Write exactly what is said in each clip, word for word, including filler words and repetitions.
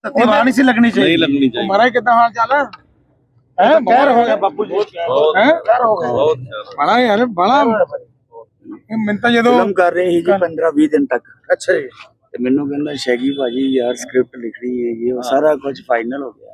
तत्ती वहां नहीं सी लगनी चाहिए, नहीं लगनी चाहिए। महाराज कितना हाल चाल है? हैं कहर हो गया बापू जी, हैं कहर हो गया बहुत बड़ा यार बड़ा मिनता ਜਦੋਂ ਫਿਲਮ ਕਰ ਰਹੇ ਸੀ ਜੀ पंद्रह बीस दिन तक ਅੱਛਾ ਜੀ ਤੇ ਮੈਨੂੰ ਕਹਿੰਦਾ ਸ਼ੈਗੀ ਭਾਜੀ ਯਾਰ ਸਕ੍ਰਿਪਟ ਲਿਖਣੀ ਹੈ ਇਹ ਉਹ ਸਾਰਾ ਕੁਝ ਫਾਈਨਲ ਹੋ ਗਿਆ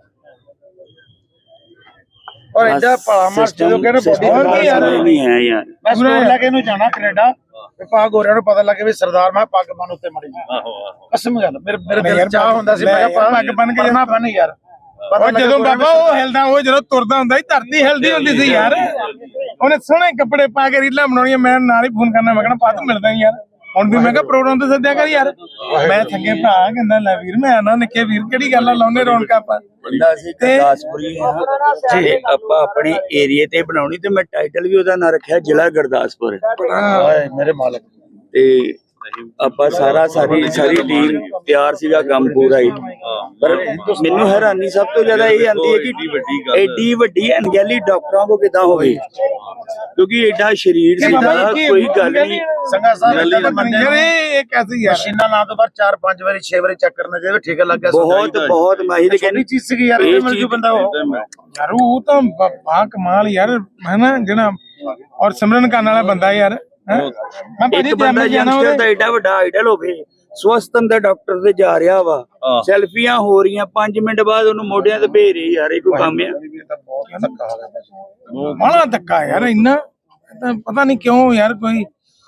ਔਰ ਐਡਾ ਭਲਾ ਮਾਰ ਜਦੋਂ ਕਹਿੰਦੇ ਬੋਡੀ ਯਾਰ ਨਹੀਂ ਹੈ ਯਾਰ ਮੈਂ ਸਟੋਰ ਲੈ ਕੇ ਇਹਨੂੰ ਜਾਣਾ ਕੈਨੇਡਾ ਤੇ ਪਾ ਗੋਰਿਆਂ ਨੂੰ ਪਤਾ ਲੱਗੇ ਵੀ ਸਰਦਾਰ ਮੈਂ ਪੱਗ ਬੰਨ ਉੱਤੇ ਮੜੀ ਆਹੋ ਆਹੋ ਕਸਮ ਗੱਲ ਮੇਰੇ ਮੇਰੇ ਦਿਲ ਚ ਚਾਹ ਹੁੰਦਾ ਸੀ ਮੈਂ ਕਿਹਾ ਪੱਗ ਬੰਨ ਕੇ ਜਾਣਾ ਬੰਨ ਯਾਰ ਉਹ ਜਦੋਂ ਬਾਬਾ ਉਹ ਹਿਲਦਾ ਉਹ ਜਦੋਂ ਤੁਰਦਾ ਹੁੰਦਾ ਸੀ ਧਰਤੀ ਹਿਲਦੀ ਹੁੰਦੀ ਸੀ ਯਾਰ ਉਹਨੇ ਸੋਹਣੇ ਕੱਪੜੇ ਪਾ ਕੇ ਰੀਲਾਂ ਬਣਾਉਣੀਆਂ ਮੈਂ ਨਾਲ ਹੀ ਫੋਨ ਕਰਨਾ ਮੈਂ ਕਹਿਣਾ ਪਾ ਤੂੰ ਮਿਲਦਾ ਯਾਰ ਹੁਣ ਵੀ ਮੈਂ ਕਿਹਾ ਪ੍ਰੋਗਰਾਮ ਤੇ ਸੱਦਿਆ ਕਰ ਯਾਰ ਮੈਂ ਥੱਕੇ ਭਰਾ ਕਹਿੰਦਾ ਲੈ ਵੀਰ ਮੈਂ ਆਣਾ ਨਿੱਕੇ ਵੀਰ ਕਿਹੜੀ ਗੱਲ ਆ ਲਾਉਨੇ ਰੌਣਕਾਂ ਆਪਾਂ ਬੰਦਾ ਸੀ ਗੁਰਦਾਸਪੁਰੀ ਹਾਂ ਜੇ ਆਪਾਂ ਆਪਣੇ ਏਰੀਏ ਤੇ ਬਣਾਉਣੀ ਤੇ ਮੈਂ ਟਾਈਟਲ ਵੀ ਉਹਦਾ ਨਾਂ ਰੱਖਿਆ ਜ਼ਿਲ੍ਹਾ ਗੁਰਦਾਸਪੁਰ ਓਏ ਮੇਰੇ ਮਾਲਕ ਤੇ ਆਪਾਂ ਸਾਰਾ ਸਾਰੀ ਸਾਰੀ ਟੀਮ ਤਿਆਰ ਸੀਗਾ ਕੰਮ ਪੂਰਾ ਹੀ ਪਰ ਮੈਨੂੰ ਹੈਰਾਨੀ ਸਭ ਤੋਂ ਜ਼ਿਆਦਾ ਇਹ ਆਂਦੀ ਹੈ ਕਿ ਐਡੀ ਵੱਡੀ ਅਣਗਹਿਲੀ ਡਾਕਟਰਾਂ ਕੋ ਕਿਦਾਂ ਹੋਵੇ ਕਿਉਂਕਿ ਐਡਾ ਸਰੀਰ ਸੀਗਾ ਕੋਈ ਗੱਲ ਨਹੀਂ ਸੰਗਾ ਸਾਹਿਬ ਯਾਰ ਇਹ ਕੈਸੀ ਯਾਰ ਮਸ਼ੀਨਾਂ ਲਾ ਤੋਂ ਬਾਅਦ ਚਾਰ ਪੰਜ ਵਾਰੀ ਛੇ ਵਾਰੀ ਚੱਕ ਕਰਨਾ ਚਾਹੀਦਾ ਠੀਕ ਲੱਗ ਗਿਆ ਬਹੁਤ ਬਹੁਤ ਮਾਹਿਰ ਕਹਿੰਦੀ ਚੀਜ਼ ਸੀਗੀ ਯਾਰ ਇਹ ਮਿਲ ਜੂ ਬੰਦਾ ਉਹ ਯਾਰ ਉਹ ਤਾਂ ਬਾ ਕਮਾਲ ਯਾਰ ਹੈ ਨਾ ਜਿਹੜਾ ਔਰ ਸਿਮਰਨ ਕਰਨ ਵਾਲਾ ਬੰਦਾ ਯਾਰ ਮੈਂ ਭਾਜੀ ਇੱਕ ਬੰਦਾ ਯੰਗਸਟਰ ਦਾ ਐਡਾ ਵੱਡਾ ਆਈਡਲ ਹੋਵੇ ਸਵਸਥਨ ਦਾ ਡਾਕਟਰ ਤੇ ਜਾ ਰਿਹਾ ਵਾ ਸੈਲਫੀਆਂ ਹੋ ਰਹੀਆਂ ਪੰਜ ਮਿੰਟ ਬਾਅਦ ਉਹਨੂੰ ਮੋਢਿਆਂ ਤੇ ਭੇਜ ਰਹੀ ਯਾਰ ਇਹ ਕੋਈ ਕੰਮ ਆ ਬੜਾ ਧੱਕਾ ਯਾਰ ਇੰਨਾ ਤਾਂ ਪਤਾ ਨਹੀਂ ਕਿਉਂ ਯਾਰ ਕੋਈ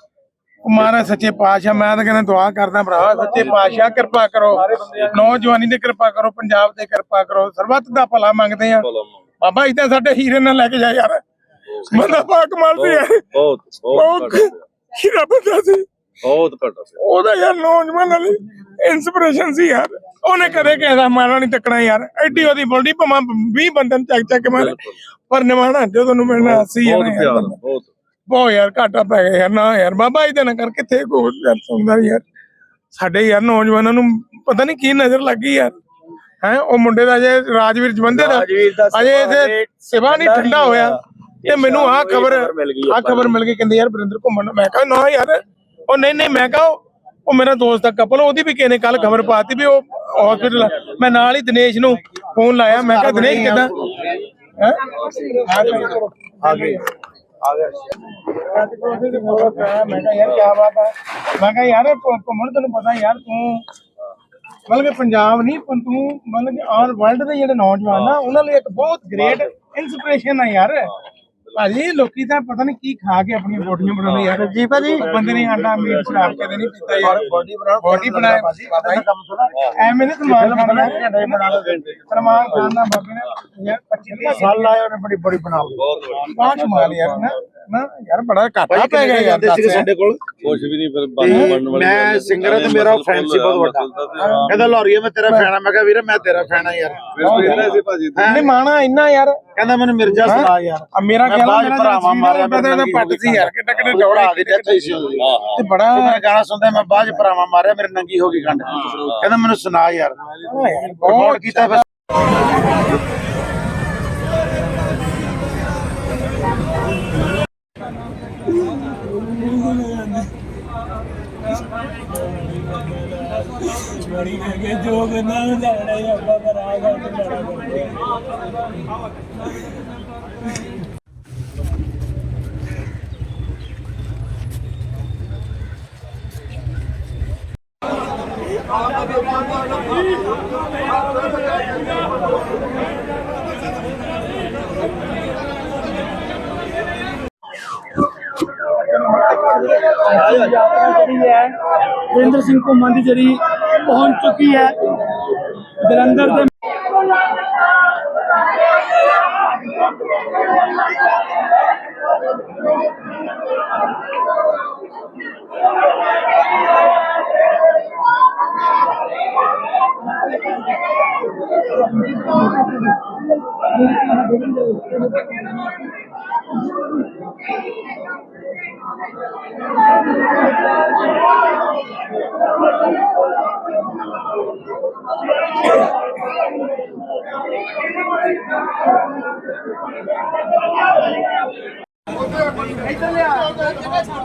ਕੁਮਾਰਾ ਸੱਚੇ ਪਾਤਸ਼ਾਹ ਮੈਂ ਤਾਂ ਕਹਿੰਦਾ ਦੁਆ ਕਰਦਾ ਭਰਾ ਸੱਚੇ ਪਾਤਸ਼ਾਹ ਕਿਰਪਾ ਕਰੋ ਨੌਜਵਾਨੀ ਤੇ ਕਿਰਪਾ ਕਰੋ ਪੰਜਾਬ ਤੇ ਕਿਰਪਾ ਕਰੋ ਸਰਬੱਤ ਦਾ ਭਲਾ ਮੰਗਦੇ ਆ ਬਾਬਾ ਇਦਾਂ ਸਾਡੇ ਹੀਰੇ ਨਾਲ ਲੈ ਕੇ ਜਾ ਯਾਰ ਬੰਦਾ ਪਾ ਕਮਾਲ ਸੀ ਯਾਰ ਬਹੁਤ ਬਹੁਤ ਹੀਰਾ ਬੰਦਾ ਸੀ ਬਹੁਤ ਘੱਟ ਸੀ ਉਹਦਾ ਯਾਰ ਨੌਜਵਾਨ ਵਾਲੀ ਇਨਸਪੀਰੇਸ਼ਨ ਸੀ ਯਾਰ ਉਹਨੇ ਕਦੇ ਕਿਸੇ ਦਾ ਮਾਰਾ ਨਹੀਂ ਤੱਕਣਾ ਯਾਰ ਐਡੀ ਉਹਦੀ ਬੋਲਦੀ ਭਾਵੇਂ ਵੀਹ ਬੰਦੇ ਨੂੰ ਚੱਕ ਚੱਕ ਮਾਰੇ ਪਰ ਨਿਮਾਣਾ ਜਦੋਂ ਨੂੰ ਮਿਲਣਾ ਸੀ ਯਾਰ ਬਹੁਤ ਬਹੁਤ ਯਾਰ ਘਾਟਾ ਪੈ ਗਿਆ ਯਾਰ ਨਾ ਯਾਰ ਬਾਬਾ ਇਹਦੇ ਨਾਲ ਕਰ ਕਿੱਥੇ ਕੋਈ ਯਾਰ ਸੁਣਦਾ ਯਾਰ ਸਾਡੇ ਯਾਰ ਨੌਜਵਾਨਾਂ ਨੂੰ ਪਤਾ ਨਹੀਂ ਕੀ ਨਜ਼ਰ ਲੱਗੀ ਯਾਰ ਹੈ ਉਹ ਮੁੰਡੇ ਦਾ ਅਜੇ ਰਾਜਵੀਰ ਜਵੰਦੇ ਦਾ ਅਜੇ ਇਹਦੇ ਸਿਵਾ ਨਹੀਂ ਠੰਡਾ ਹੋਇਆ ਤੇ ਮੈਨੂੰ ਆਹ ਖਬਰ ਆਹ ਖਬਰ ਮਿਲ ਗਈ ਕਹਿੰਦੇ ਯਾਰ ਵਰਿੰਦਰ ਘੁੰਮਣ ਮੈਂ ਕਿਹਾ ਨਾ ਯਾਰ ਉਹ ਨਹੀਂ ਨਹੀਂ ਮੈਂ ਕਿਹਾ ਉਹ ਮੇਰਾ ਦੋਸਤ ਦਾ ਕਪਲ ਉਹਦੀ ਵੀ ਕਿਸੇ ਨੇ ਕੱਲ ਖਬਰ ਪਾਤੀ ਵੀ ਉਹ ਹਸਪੀਟਲ ਮੈਂ ਨਾਲ ਹੀ ਦਿਨੇਸ਼ ਨੂੰ ਫੋਨ ਲਾਇਆ ਮੈਂ ਕਿਹਾ ਦਿਨੇਸ਼ ਕਿੱਦਾਂ ਹੈ ਆ ਗਏ ਆ ਗਿਆ ਮੈਂ ਕਿਹਾ ਯਾਰ ਕੀ ਬਾਤ ਹੈ ਮੈਂ ਕਿਹਾ ਯਾਰ ਘੁੰਮਣ ਤੈਨੂੰ ਪਤਾ ਯਾਰ ਤੂੰ ਮਤਲਬ ਕਿ ਪੰਜਾਬ ਨਹੀਂ ਪਰ ਤੂੰ ਮਤਲਬ ਕਿ ਆਲ ਵਰਲਡ ਦੇ ਜਿਹੜੇ ਨੌਜਵਾਨ ਆ ਉਹਨਾਂ ਲਈ ਇੱਕ ਬਹੁਤ ਗ੍ਰੇਟ ਇਨਸਪੀਰੇਸ਼ਨ ਆ ਯਾਰ ਭਾਜੀ ਲੋਕੀ ਤਾਂ ਪਤਾ ਨਹੀਂ ਕੀ ਖਾ ਕੇ ਆਪਣੀਆਂ ਬੋਡੀਆਂ ਬਣਾਉਂਦੇ ਯਾਰ ਜੀ ਭਾਜੀ ਬੰਦੇ ਨੇ ਆਂਡਾ ਮੀਟ ਸ਼ਰਾਬ ਕਦੇ ਨਹੀਂ ਪੀਤਾ ਯਾਰ ਬੋਡੀ ਬਣਾਉ ਬੋਡੀ ਬਣਾਇਆ ਭਾਜੀ ਕੰਮ ਸੁਣਾ ਐਵੇਂ ਨਹੀਂ ਸਮਾਨ ਖਾਣਾ ਬਣਾ ਲਓ ਸਲਮਾਨ ਖਾਨ ਦਾ ਬਾਬੇ ਨੇ ਯਾਰ ਪੱਚੀ ਸਾਲ ਲਾਏ ਉਹਨੇ ਬੜੀ ਬੜੀ ਬਣਾ ਲਈ ਬਹੁਤ ਬਾਹਰ ਕਮਾਲ ਯਾਰ ਨਾ ਨਾ ਯਾਰ ਬੜਾ ਘਾਟਾ ਪੈ ਗਿਆ ਯਾਰ ਸਾਡੇ ਕੋਲ ਕੁਝ ਵੀ ਨਹੀਂ ਫਿਰ ਬਣਨ ਵਾਲੀ ਮੈਂ ਸਿੰਗਰ ਤੇ ਮੇਰਾ ਫੈਨ ਸੀ ਬਹੁਤ ਵੱਡਾ ਕਹਿੰਦਾ ਲੋਰੀਏ ਮੈਂ ਤੇਰਾ ਫੈਨ ਆ ਮੈਂ ਕਿਹਾ ਵੀਰੇ ਮੈਂ ਤੇਰਾ ਫੈਨ ਆ ਯਾਰ ਫਿਰ ਸੀ ਭਾਜੀ ਨਹੀਂ ਮਾਣਾ ਇੰਨਾ ਯਾਰ ਕਹਿੰਦਾ ਮੈਨੂੰ ਮਿਰਜ਼ਾ ਸੁਣਾ ਯਾਰ ਆ ਮੇਰਾ ਖਿਆਲ ਮੇਰਾ ਭਰਾਵਾਂ ਮਾਰਿਆ ਮੇਰਾ ਪੱਟ ਸੀ ਯਾਰ ਕਿੱਡਾ ਕਿੱਡਾ ਦੌੜਾ ਦੀ ਡੈਥ ਹੋਈ ਸੀ ਉਹਦੀ ਤੇ ਬੜਾ ਮੇਰਾ ਗਾਣਾ ਸੁਣਦਾ ਮੈਂ ਬਾਅਦ ਚ ਭਰਾਵਾਂ ਮਾਰਿਆ ਮੇਰੇ ਨੰਗੀ ਹੋ ਗਈ ਗੰਢ ਕਹਿੰਦਾ ਮੈਨੂੰ ਸੁਣਾ ਯਾਰ ਬਹੁਤ ਕੀਤਾ ਫਿਰ ਬੜੀ ਕੇ ਜੋ ਕਰਨਾ ਜਾਣਾ ਹੀ ਆਪਾਂ ਕਰਾਂਗਾ ਵਰਿੰਦਰ ਸਿੰਘ ਘੁੰਮਣ ਦੀ ਜਿਹੜੀ ਪਹੁੰਚ ਚੁੱਕੀ ਹੈ ਜਲੰਧਰ ਦੇ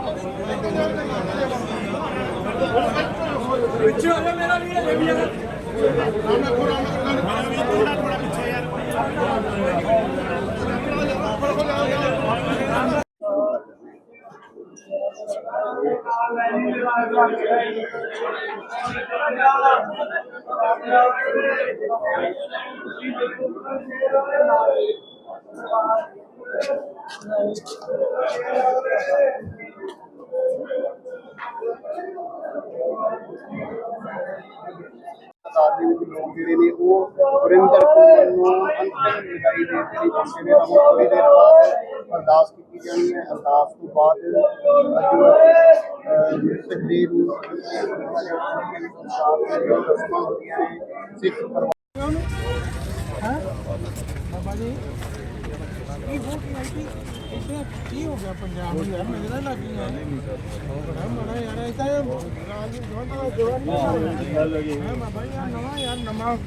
ਪਿੱਛੇ ਹੋ ਜਾ ਮੇਰਾ ਵੀਰ ਤਾਦਾਦ ਦੇ ਵਿੱਚ ਲੋਕ ਜਿਹੜੇ ਨੇ ਉਹ ਵਰਿੰਦਰ ਕੁਮਾਰ ਨੂੰ ਅੰਤਿਮ ਵਿਦਾਈ ਦੇ ਜਿਹੜੀ ਪਹੁੰਚੇ ਨੇ। ਤਾਂ ਥੋੜੀ ਦੇਰ ਬਾਅਦ ਅਰਦਾਸ ਕੀਤੀ ਜਾਣੀ ਹੈ। ਅਰਦਾਸ ਤੋਂ ਬਾਅਦ ਤਕਰੀਰ ਨੂੰ ਰਸਮਾਂ ਹੁੰਦੀਆਂ ਨੇ ਸਿੱਖ ਪਰਿਵਾਰ ਬਾਬਾ ਜੀ ਕੀ ਹੋ ਗਿਆ ਇੱਥੇ ਕੀ ਹੋ ਗਿਆ ਪੰਜਾਬ ਨੂੰ ਯਾਰ ਮੇਰੇ ਨਾਲ ਲੱਗੀ ਹੈ ਬੜਾ ਮਾੜਾ ਯਾਰ ਇਹ ਤਾਂ ਰਾਜ ਜਵਾਨ ਦਾ ਜਵਾਨ ਨਹੀਂ ਹੈ ਬਾਬਾ ਯਾਰ ਨਵਾਂ ਯਾਰ ਨਵਾਂ